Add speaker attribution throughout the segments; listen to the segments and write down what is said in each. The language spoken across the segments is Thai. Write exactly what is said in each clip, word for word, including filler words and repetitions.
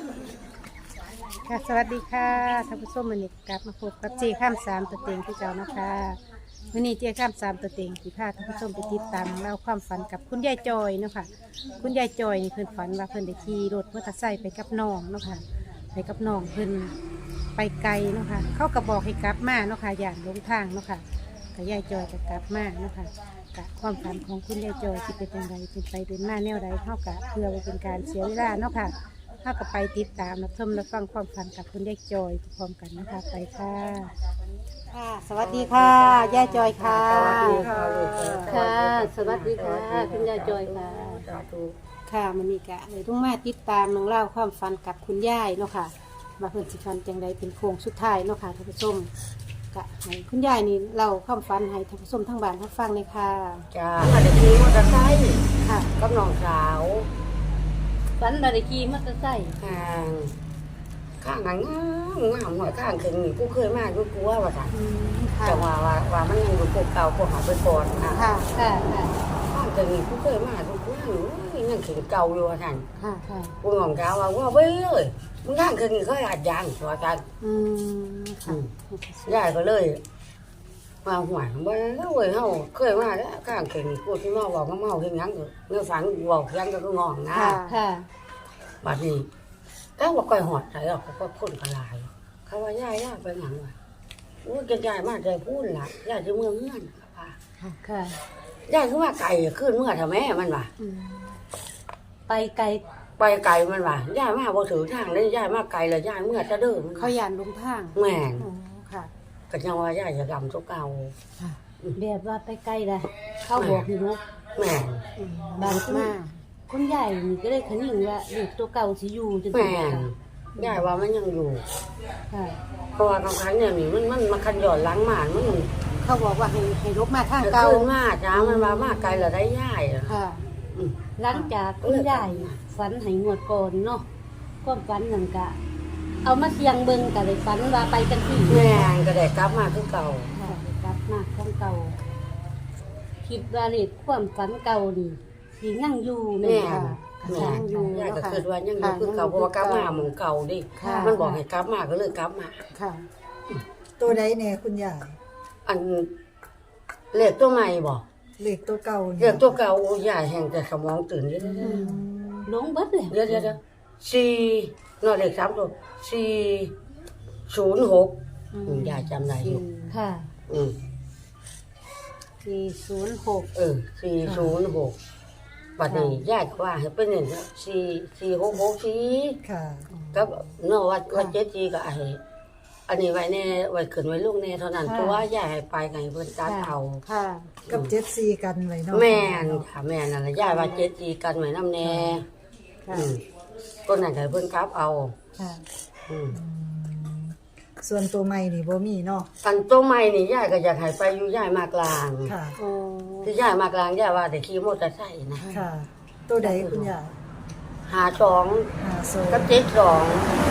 Speaker 1: ค่ะสวัสดีค่ะท่านผู้ชมวันนี้กลับมาพบกับเจข้ามสามตัวเต็งที่เจ้านะคะวันนี้เจข้ามสามตัวเต็งที่พาท่านผู้ชมไปติดตามเล่าความฝันกับคุณยายจอยเนาะค่ะคุณยายจอยนี่เพิ่นฝันว่าเพิ่นได้ขี่รถมอเตอร์ไซค์ไปกับน้องเนาะค่ะไปกับน้องเพิ่นไปไกลเนาะค่ะเขาก็บอกให้กลับมาเนาะค่ะอย่างลงทางเนาะค่ะกับยายจอยก็กลับมาเนาะค่ะกะความฝันของคุณยายจอยที่เป็นอย่างไรเป็นไปเป็นมาแนวใดเท่ากับเพื่อไว้เป็นการเสียเวลาเนาะค่ะถ้ากับไปติดตามรับชมรับฟังความฝันกับคุณยายจอยพร้อมกันนะคะไปค่ะค่ะ สวัสดีค่ะยายจอยค่ะ
Speaker 2: สวัสดีค่ะ
Speaker 1: ค่ะ สวัสดีค่ะคุณยายจอยค่ะ
Speaker 2: สาธุ
Speaker 1: ค่ะมันมีกะเลยต้องมาติดตามน้องเล่าความฝันกับคุณยายเนาะค่ะมาเพิ่นสิฝันจังใดเป็นโค้งสุดท้ายเนาะค่ะท่านผู้ชมกะให้คุณยายนี่เล่าความฝันให้ท่านผู้ชมทั้งบ้านทั้งฟังเลยค่ะ
Speaker 2: จ้าอันนี้มอเตอร์ไซค์
Speaker 1: ค่ะ
Speaker 2: กับน้องสาว
Speaker 1: ฝันมาได้ขี่มอเตอร์ไซค์
Speaker 2: ข้างข้างงามงามหน่อยข้างถึงนี่กูเคยมากูกลัวว่าจ้ะ
Speaker 1: อืมค่ะ
Speaker 2: จังว่าว่าว่ามันยังอยู่พวกเก่าพวกหาไปก่อนค่ะ
Speaker 1: ค่ะค่ะค่ะ
Speaker 2: ข้างถึงนี่กูเคยมากูกลัวหนูยังถึงเก่าอยู่ว่าท่าน
Speaker 1: ค่ะค่ะ
Speaker 2: กูน้องสาวว่าว่าเว้ยเลยมึงข้างถึงนี่เขาอาจยางว่าจ้ะ
Speaker 1: อืมค่ะ
Speaker 2: ยายก็เลยมาหวยว่าเว้ยเฮาเคยมาแล้วข้างถึงนี่กูที่มาบอกว่าเมาเฮ็ดหยังก็เนื้อฝันบอกยังก็งองนะ
Speaker 1: ค่ะค่ะ
Speaker 2: บัดนี้ก็บอกก่อยหอดใส่ออกก็คนกระลาย เขาว่าย่ายย่าไปหยังวะโอ้ยจะย่ายมาใจพูดล่ะย่ายจะเมื่อเมื่อนค่ะ
Speaker 1: ค่ะค่ะ
Speaker 2: ย่ายคือว่าไก่ขึ้นเมื่อทำแม่มันว่ะ
Speaker 1: อืมไปไกล
Speaker 2: ไปไก่มันว่ะย่ายมาบ่ถือทางเลยย่ายมาไก่เลยย่ายเมื่อจะเดิม
Speaker 1: เขายานลงทาง
Speaker 2: แม่น
Speaker 1: อ๋อค่ะ
Speaker 2: ก็ยังว่าย่ายจะดำตัวเก่า
Speaker 1: ค่ะแบบว่าไปไกลเลยเขาบอกอยู่ลูก
Speaker 2: แม่น
Speaker 1: อืมบานมาคุณใหญ่นี่ก็เลยขนิ่งว่าเด็กตัวเก่าสิอยู่จัง
Speaker 2: แม่
Speaker 1: ซี่
Speaker 2: น
Speaker 1: ค่ะ
Speaker 2: ย่ายว่ามันยังอยู่
Speaker 1: ค่ะ
Speaker 2: เพราะว่าบางครั้งเนี่ยนี่มันมันมาคันหย่อนหล้างหมานมัน
Speaker 1: เขาบอกว่าให้ให้ลบมาทาง
Speaker 2: จะ
Speaker 1: เก่า
Speaker 2: ขึ้นมาจ้ามันว่ามาไกลแล้วได้ย่ายอะ
Speaker 1: ค่ะ
Speaker 2: อืม
Speaker 1: หลังจากคุณใหญ่ฝันให้งวดก่อนเนาะความฝันนั่นกะ เอามาเสียงเบิ่งก็เลยฝันว่าไปกันที่
Speaker 2: แม่นก็ได้กลับมาคือเก่า
Speaker 1: ค่ะกลับมาของเก่าคิดว่าเลขความฝันเก่านี่สิยังอยู่แม่
Speaker 2: แม่
Speaker 1: นค่ะ
Speaker 2: แม่
Speaker 1: ยังอยู่
Speaker 2: ยาย
Speaker 1: เนาะ
Speaker 2: ก็
Speaker 1: ค่ะ
Speaker 2: คิดว่ายังอยู่คือเก่าเพราะว่ากลับมาหมู่เก่าดิ
Speaker 1: ค่ะ
Speaker 2: มันบอกให้กลับมาก็เลยกลับมา
Speaker 1: ค่ะ
Speaker 3: ตัวใดแน่คุณยาย
Speaker 2: อันเลขตัวใหม่บอก
Speaker 3: เลขตัวเก่า
Speaker 2: เลขตัวเก่าโอ้ยายแห่งแต่สมองตื่นเยอะ
Speaker 3: อืม
Speaker 1: ลงเบิดแล้ว
Speaker 2: เยอะเยอะสี่นอเลขสามตัวสี่ศูนย์หกยายจำได้อยู่
Speaker 1: ค่ะ
Speaker 2: อืม
Speaker 1: สี่ศูนย์หก
Speaker 2: เออสี่ศูนย์หกบัดนี้ยายก็ว่าให้เป็นเนี่ยสี่สี่หกหกสี่
Speaker 3: ค่ะ
Speaker 2: ก็เนาะว่าว่าเจ็ดจีก็ไอ้อันนี้ไว้แน่ไว้ขึ้นไว้ลูกแน่เท่านั้นตัวใหญ่ไปไงเพิ่นตัดเอา
Speaker 1: ค่ะ
Speaker 3: กับเจ็ดซีกันไว้เนาะ
Speaker 2: แม่นค่ะแม่นั่นแหละยายว่าเจ็ดจีกันไว้น้ำแน่
Speaker 1: ค่ะ
Speaker 2: อืมก็นั่นก็เพิ่นกลับเอา
Speaker 1: ค่ะ
Speaker 2: อืม
Speaker 3: อืมส่วนตัวใหม่นี่บ่มีเนาะ
Speaker 2: อันตัวใหม่นี่ยายก็อยากให้ไปอยู่ยายมากลาง
Speaker 3: ค่ะ
Speaker 1: โอ้
Speaker 2: ที่ยายมากลางยายว่าแต่ขี่มอเตอร์ไซค์นะ
Speaker 3: ค่ะ ตัวใดคุณยาย
Speaker 2: หาสอง
Speaker 3: หาโซ
Speaker 2: กับเจ็ดสอง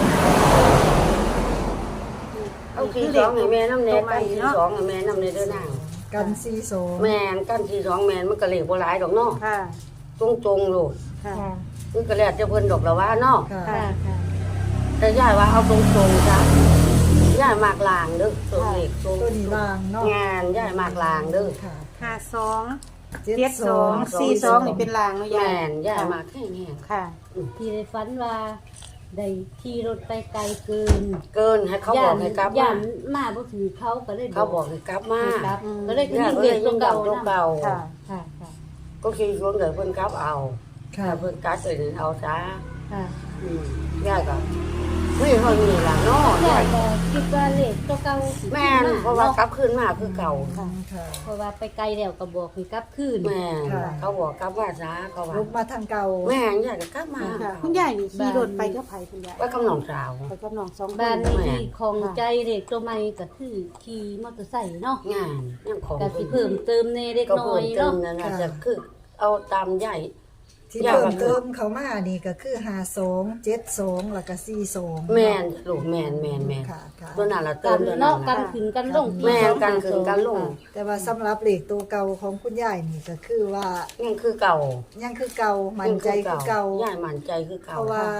Speaker 2: เอาสี่สองให้แม่น้ำแน่กันสี่สองให้แม่น้ำแน่เด้อนาง
Speaker 3: กันซีโซ
Speaker 2: แม่นกันสี่สองแม่นมันก็เลขบ่หลายดอกเนาะ
Speaker 1: ค่ะ
Speaker 2: ตรงตรงๆโลด
Speaker 1: ค่ะ
Speaker 2: มันก็แล้วแต่เพิ่นดอกละว่าเนาะ
Speaker 3: ค่ะ
Speaker 1: ค่ะ ค่ะ
Speaker 2: แต่ยายว่าเอาตรงตรงๆจ้ะยายมากลางเด้อตัวเลขตรง
Speaker 3: ตัวนี้ลางเนาะ
Speaker 2: งานยายมากลางเด้อ
Speaker 3: ค่ะ
Speaker 1: ห้าสอง
Speaker 3: เจ็ด
Speaker 1: เจ็ด
Speaker 3: ส
Speaker 1: ส
Speaker 3: อ
Speaker 1: อง งสี่สองนี่เป็นลางเนาะยา
Speaker 2: แม่
Speaker 1: ย
Speaker 2: นยายมากแค่นี้
Speaker 1: ค่ะ
Speaker 2: อืม
Speaker 1: ที่ได้ฝันว่าได้ขี่รถไปไกลเกิน
Speaker 2: เกินให้เขาบอกให้กลับ
Speaker 1: ย่าม
Speaker 2: าน
Speaker 1: มาบ่ถือเขาก็เลย
Speaker 2: เขาบอกให้กลับมา
Speaker 1: ให้กลับก็เลย
Speaker 2: ยาย
Speaker 1: ขึ้น
Speaker 2: ก็
Speaker 1: เรี
Speaker 2: เลย ย
Speaker 1: น
Speaker 2: ยั
Speaker 1: ตัว
Speaker 2: ง
Speaker 1: เก่า
Speaker 2: ดำตัวเก่า
Speaker 1: ค่ะ ค่ะ ค่ะ
Speaker 2: ก็คือช่วงเดี๋ยวเพิ่นกลับเอา
Speaker 3: ค่ะ
Speaker 2: ถ้าเพิ่นกลับเดี๋ยวเอาซะ
Speaker 1: ค่ะ
Speaker 2: อืมยายก็ไม่เท่านี้ล่ะเนาะ
Speaker 1: ยาย
Speaker 2: าย
Speaker 1: ก็คิดว่าเลขตัวเก่าสิ
Speaker 2: แม่นเพราะว่ากลับคืนมาคือเก่า
Speaker 3: อืมค่ะ
Speaker 1: เพราะว่าไปไกลแล้วก็บอกให้กลับคืน
Speaker 2: แม่น
Speaker 3: ค่ะ
Speaker 2: เขาบอกกลับมาซะเขาว่า
Speaker 3: ลุกมาทางเก่า
Speaker 2: แม่นยายก็กลับมา
Speaker 1: ค่ะคุณยายนี่ขี่รถไปกับไผคุณยาย
Speaker 2: ว่ากับน้องสาว
Speaker 1: ไปกับน้องสองบ้านที่ของใจเด็กตัวใหม่ก็คือขี่มอเตอร์ไซค์เนาะ
Speaker 2: งานยังของ
Speaker 1: ก็สิเพิ่มเติมในเล็ก
Speaker 2: ก็
Speaker 1: น้อ
Speaker 2: เพิ่
Speaker 1: ย
Speaker 2: มเติ
Speaker 1: เนาะ
Speaker 2: มนั่นน่ะจะคือเอาตามใหญ่
Speaker 3: ที่
Speaker 2: ยาย
Speaker 3: เพิ่
Speaker 2: ว่าม
Speaker 3: เติมเขามานี่ก็คือหาสองเจ็ดสองแล้วก็ซีสอง
Speaker 2: แม่นลูกแม่นแม่นแม่น
Speaker 3: ค่ะค่ะ
Speaker 2: ตัวนั้นละเติ
Speaker 1: กั
Speaker 2: ม
Speaker 1: น
Speaker 2: ตัวนั้น
Speaker 1: เนาะกั
Speaker 2: น่ะ
Speaker 1: นขึ้นกันลง
Speaker 2: แม่นกันขึ้นกันลง
Speaker 3: แต่ว่าสำหรับเลขตัวเก่าของคุณยายนี่ก็คือว่า
Speaker 2: ยังคือเก่า
Speaker 3: ยังคือเก่ามั่นใจคือเก่า
Speaker 2: ย่ายมั่นใจคือ
Speaker 3: เพ
Speaker 2: เก่า
Speaker 3: ราะว่าข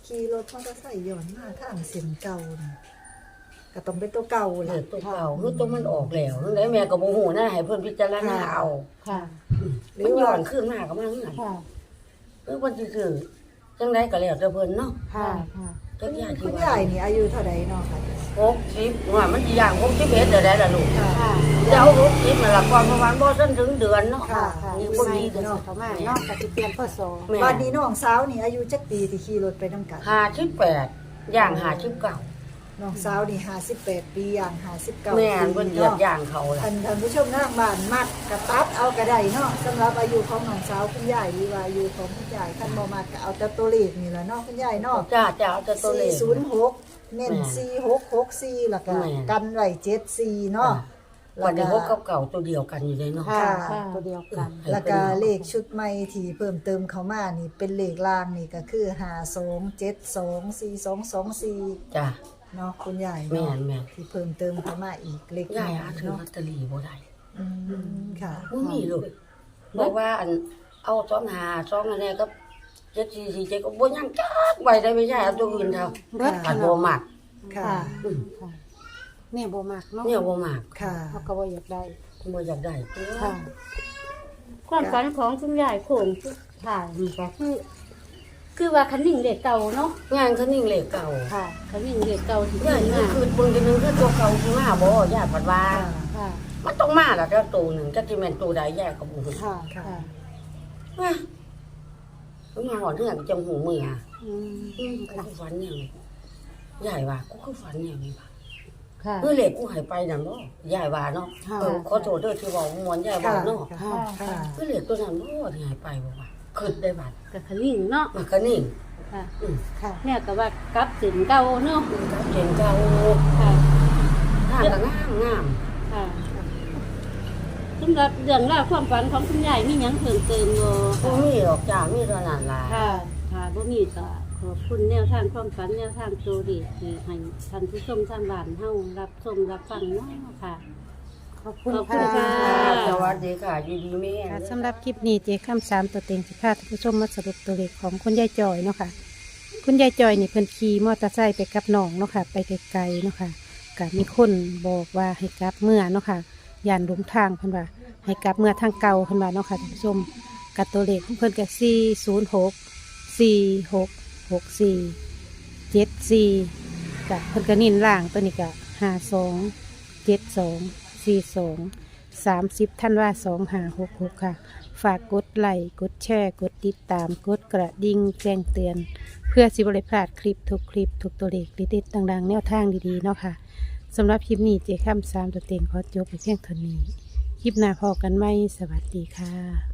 Speaker 3: ขี่รถมอเตอร์ไซค์ย้อนมาทางเส้นเก่านี่ก็ต้องเป็นตัวเก่า
Speaker 2: เล
Speaker 3: ล่ะ
Speaker 2: ขตัวเก่าคือตัวมันออกแล้วนั่นแหละแม่ก็บ่ฮู้นะให้เพิ่นพิจารณาเอา
Speaker 1: ค่ะ
Speaker 2: มันย้อนขึ้นมาก็มาเฮือน
Speaker 1: ค่ะ
Speaker 2: คือเพิ่นสิซื้อจังไดก็แล้วแต่เพิ่นเนาะ
Speaker 1: ค่ะค่ะ
Speaker 2: จักอย่าง
Speaker 3: คุ
Speaker 2: ที่
Speaker 3: ณ
Speaker 2: ว่าย
Speaker 3: ายนี่อายุเท่าใดเนาะค่ะ
Speaker 2: หกสิบว่ามันสิย่างหกสิบเอ็ดเดี๋ยวได้ล่ะลูก
Speaker 3: ค่ะ
Speaker 1: ค่ะ
Speaker 2: เดี๋ยวหกสิบนั่นล่ะก่อนประมาณบ่ทันถึงเดือนเนาะ
Speaker 3: ค่ะ
Speaker 1: ค่ะ
Speaker 2: อี
Speaker 1: อี
Speaker 2: ก
Speaker 1: ก
Speaker 2: ค
Speaker 1: คน น
Speaker 2: ดี
Speaker 1: ดี
Speaker 2: เด้อ
Speaker 1: เนาะเขามาเนาะก็สิเปลี่ยนพ่อสอ
Speaker 2: แม่
Speaker 3: บัดนี้น้องสาวนี่อายุจักปีที่ขี่รถไปนำกัน
Speaker 2: ห้าสิบแปดย่างห้าสิบเก้า
Speaker 3: น้องสาวนี่ห้าสิบแปดปีอย่างห้าสิบเก้า
Speaker 2: แม่น
Speaker 3: ปี
Speaker 2: เพิ่นเหยียบ
Speaker 3: เนาะ
Speaker 2: ย่างเขาล่ะ
Speaker 3: ท่านท่านผู้ชมทางบ้านมัดกระตัดเอากระไดเนาะสำหรับอายุของน้องสาวคุณยายหรือว่าอายุของคุณยายท่านบ่มักก็เอาแต่ตัวเลขนี่แหละเนาะคุณยายเนาะ
Speaker 2: จ้าจ้าเอาแต่ตัวเลข
Speaker 3: สี่ศูนย์หกเน้น
Speaker 2: แม่
Speaker 3: สี่หกหกสี่แล้วก็
Speaker 2: แม่
Speaker 3: กันไว้เจ็ดสี่เนาะ
Speaker 2: วันนี้พวกเก่าๆตัวเดียวกันอยู่เลยเนาะ
Speaker 1: ค่ะ
Speaker 3: ค่ะ
Speaker 1: ตัวเดียวกัน
Speaker 3: แล้วก็เลขชุดใหม่ที่เพิ่มเติมเข้ามานี่เป็นเลขล่างนี่ก็คือห้าสองเจ็ดสองสี่สองสองสี่
Speaker 2: จ้า
Speaker 3: เนาะคุณยาย
Speaker 2: แม่
Speaker 3: เนาะ
Speaker 2: นแม่น
Speaker 3: ที่เพิ่มเติมเข้ามาอีกเลข
Speaker 2: ยาย
Speaker 3: น้
Speaker 2: หา
Speaker 3: อย
Speaker 2: ถือ
Speaker 3: เนาะ
Speaker 2: ลอตเตอรี่บ่ได้
Speaker 3: อืมค่ะ
Speaker 2: บ่มีเลยบอกว่าอันเอาสองหาสองอันนี้ก็เจ็ดสี่สี่เจ็ดก็บ่ยังจักใบได้ไม่ใช่เอาตัวอื่นเท่า
Speaker 1: เบิด
Speaker 2: อันบ่มัก
Speaker 3: ค่ะ
Speaker 1: ค่ะค่ะแม่บ่มักเนาะ
Speaker 2: เนี่ยบ่มัก
Speaker 3: ค่ะ
Speaker 1: เขาก็บ่อยากได้
Speaker 2: บ่อยากได้
Speaker 1: ค่ะ
Speaker 4: ความฝันของคุณยายโขงสุดท้ายนี่ก็คือ คือว่าคันนิ่งเด็กเก่าเนาะ
Speaker 2: งานเขานิ่งเลขเก่า
Speaker 4: ค่ะคันนิ่งเด็กเก่าที่
Speaker 2: ยา
Speaker 4: ขึ้
Speaker 2: ย
Speaker 4: น
Speaker 2: ก็
Speaker 4: มา
Speaker 2: คือเบิ่งจังนึงคือตัวเก่าสิมาบ่ยายปัดว่า
Speaker 3: ค่ะ
Speaker 1: ค่ะ
Speaker 2: มันต้องมาล่ะเจ้าตัวหนึงจักสิแม่นตัวใดยายก็บ่ฮู้
Speaker 1: ค่ะ
Speaker 3: ค่ะ
Speaker 1: ค่ะ
Speaker 2: ว่ามันมาหอดเรื่องจังหูมืออ่ะ
Speaker 1: อืม
Speaker 2: อืมกูคือฝันอย่างนี้ยายว่ากูคือฝันอย่างนี้ว่ะ
Speaker 1: ค่ะ
Speaker 2: เมื่อเหล็กกูหายไปนั่นบ่ยายว่าเนาะ
Speaker 1: ค่ะ
Speaker 2: เออขอโทษเด้อที่เว้ามวนยายว่า
Speaker 3: ค่ะ
Speaker 2: เนาะ
Speaker 3: ค่ะค่ะ
Speaker 2: เมื่อเหล็กตัวนั้นบ่ที่หายไปบ่ว่าคิดได้บัด
Speaker 4: กับคันนิ่งเนาะ
Speaker 2: มันก็นิ่ง
Speaker 4: ค่ะ
Speaker 2: อืม
Speaker 1: ค่ะ
Speaker 4: แม่ก็ว่ากลับสินเก่าเนาะ
Speaker 2: มันก็เจ๋งเก่า
Speaker 4: ค่ะ
Speaker 2: ทางก็งามงาม
Speaker 4: ค่ะสำหรับเรื่องราวความฝันของคุณยายมีหยังเพิ่มเติมบ่
Speaker 2: บ่มีหรอกจ้ามีเท่านั้นล่ะ
Speaker 4: ค่ะค่ะบ่มีก็ขอบคุณแนวทางความฝันแนวทางตัวเลขที่ให้ท่านผู้ชมทางบ้านเฮารับชมรับฟังเนาะค่ะ
Speaker 1: ขอบคุณ
Speaker 4: ขอบคุณ
Speaker 1: ค่ะ
Speaker 4: ค่ะ
Speaker 2: สวัสดีค่ะอยู่ดีแม่
Speaker 1: ค่ะสำหรับคลิปนี้เจ๊ข้ามสามตัวเต็งสิพาท่านผู้ชมมาสรุปตัวเลขของคุณยายจอยเนาะค่ะ คุณยายจอยนี่เพิ่นขี่มอเตอร์ไซค์ไปกับน้องเนาะค่ะ ไปไกลๆเนาะค่ะก็มีคนบอกว่าให้กลับเมื่อเนาะค่ะย่านหลงทางเพิ่นว่า ให้กลับเมื่อทางเก่าเพิ่นว่าเนาะค่ะท่านผู้ชมกับตัวเลขของเพิ่นก็สี่ศูนย์หกสี่หกหกสี่เจ็ดสี่กะเพิ่นก็นิ่นล่างตัวนี้ก็ห้าสองเจ็ดสองสี่สองสามสิบท่านว่าสองห้าหกหกค่ะ ฝากกดไลค์กดแชร์กดติดตามกดกระดิ่งแจ้งเตือน เพื่อสิบริพลาดคลิปทุกคลิปทุกตัวเลขดีๆต่างๆแนวทางดีๆเนาะค่ะสำหรับคลิปนี้เจ๊ข้ามสามตัวเต็งขอจบไปเพียงเท่านี้ คลิปหน้าพอกันไหมสวัสดีค่ะ